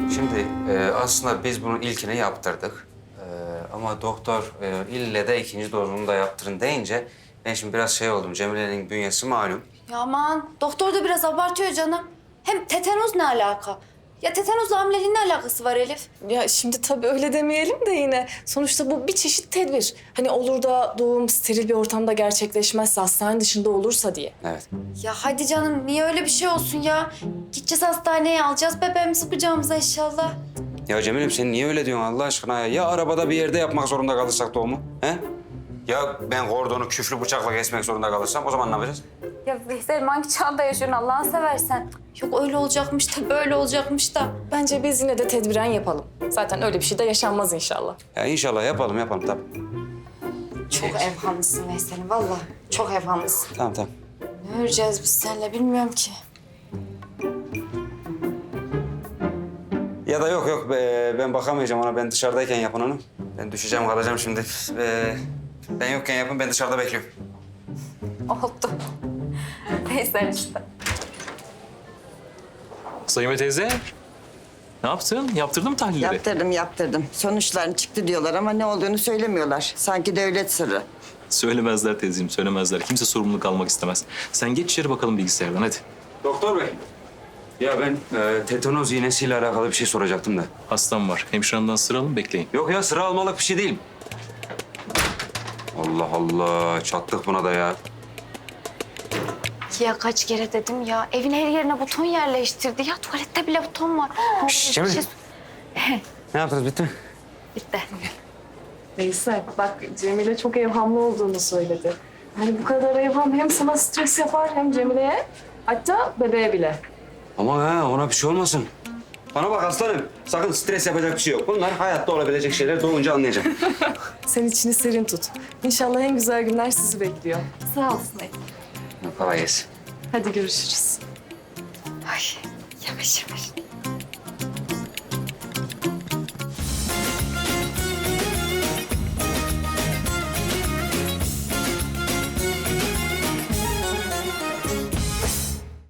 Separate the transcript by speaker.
Speaker 1: Şimdi aslında biz bunun ilkini yaptırdık. Ama doktor ille de ikinci dozunu da yaptırın deyince ben şimdi biraz şey oldum. Cemile'nin bünyesi malum.
Speaker 2: Ya aman doktor da biraz abartıyor canım. Hem tetanoz ne alaka? Ya tetanozla hamileliğin ne alakası var Elif?
Speaker 3: Ya şimdi tabii öyle demeyelim de yine. Sonuçta bu bir çeşit tedbir. Hani olur da doğum steril bir ortamda gerçekleşmezse, hastane dışında olursa diye.
Speaker 1: Evet.
Speaker 2: Ya hadi canım niye öyle bir şey olsun ya? Gideceğiz hastaneye alacağız bebeğimizi kucağımıza inşallah.
Speaker 1: Ya Cemil'im sen niye öyle diyorsun Allah aşkına ya? Ya arabada bir yerde yapmak zorunda kalırsak doğumu? He? Ya ben kordonu küflü bıçakla kesmek zorunda kalırsam o zaman ne yapacağız?
Speaker 2: Ya Veysel hangi çağda yaşıyorsun Allah'ını seversen? Yok öyle olacakmış da böyle olacakmış da.
Speaker 3: Bence biz yine de tedbiren yapalım. Zaten öyle bir şey de yaşanmaz inşallah.
Speaker 1: Ya inşallah yapalım tabii.
Speaker 2: Çok evhamlısın Veysel'im vallahi. Çok evhamlısın.
Speaker 1: Tamam.
Speaker 2: Ne öreceğiz biz seninle bilmiyorum ki.
Speaker 1: Ya da yok ben bakamayacağım ona. Ben dışarıdayken yapın onu. Ben düşeceğim kalacağım şimdi. Ben yokken yapın ben dışarıda bekliyorum.
Speaker 2: Oldu. Veysel işte.
Speaker 4: Sayın teyze, ne yaptın? Yaptırdın mı tahlilleri?
Speaker 5: Yaptırdım. Sonuçların çıktı diyorlar ama ne olduğunu söylemiyorlar. Sanki devlet sırrı.
Speaker 4: Söylemezler teyzeciğim, söylemezler. Kimse sorumluluk almak istemez. Sen geç içeri bakalım bilgisayardan, hadi.
Speaker 1: Doktor bey. Ya ben tetanoz iğnesiyle alakalı bir şey soracaktım da.
Speaker 4: Hastam var. Hemşiremden sıra alın, bekleyin.
Speaker 1: Yok ya sıra almalık bir şey değil. Allah Allah çattık buna da ya.
Speaker 2: Ya kaç kere dedim ya. Evin her yerine buton yerleştirdi. Ya tuvalette bile buton var.
Speaker 1: Şşş, Cemil. Ne yaptınız bitti mi?
Speaker 2: Bitti.
Speaker 3: Veysel bak Cemile çok evhamlı olduğunu söyledi. Hani bu kadar evham hem sana stres yapar hem Cemile'ye hatta bebeğe bile.
Speaker 1: Ama ona bir şey olmasın. Bana bak aslanım. Sakın stres yapacak bir şey yok. Bunlar hayatta olabilecek şeyler doğunca anlayacağım.
Speaker 3: Sen içini serin tut. İnşallah en güzel günler sizi bekliyor.
Speaker 2: Sağ olsun Elif.
Speaker 1: Kolay gelsin.
Speaker 3: Hadi görüşürüz.
Speaker 2: Ay yavaş yavaş.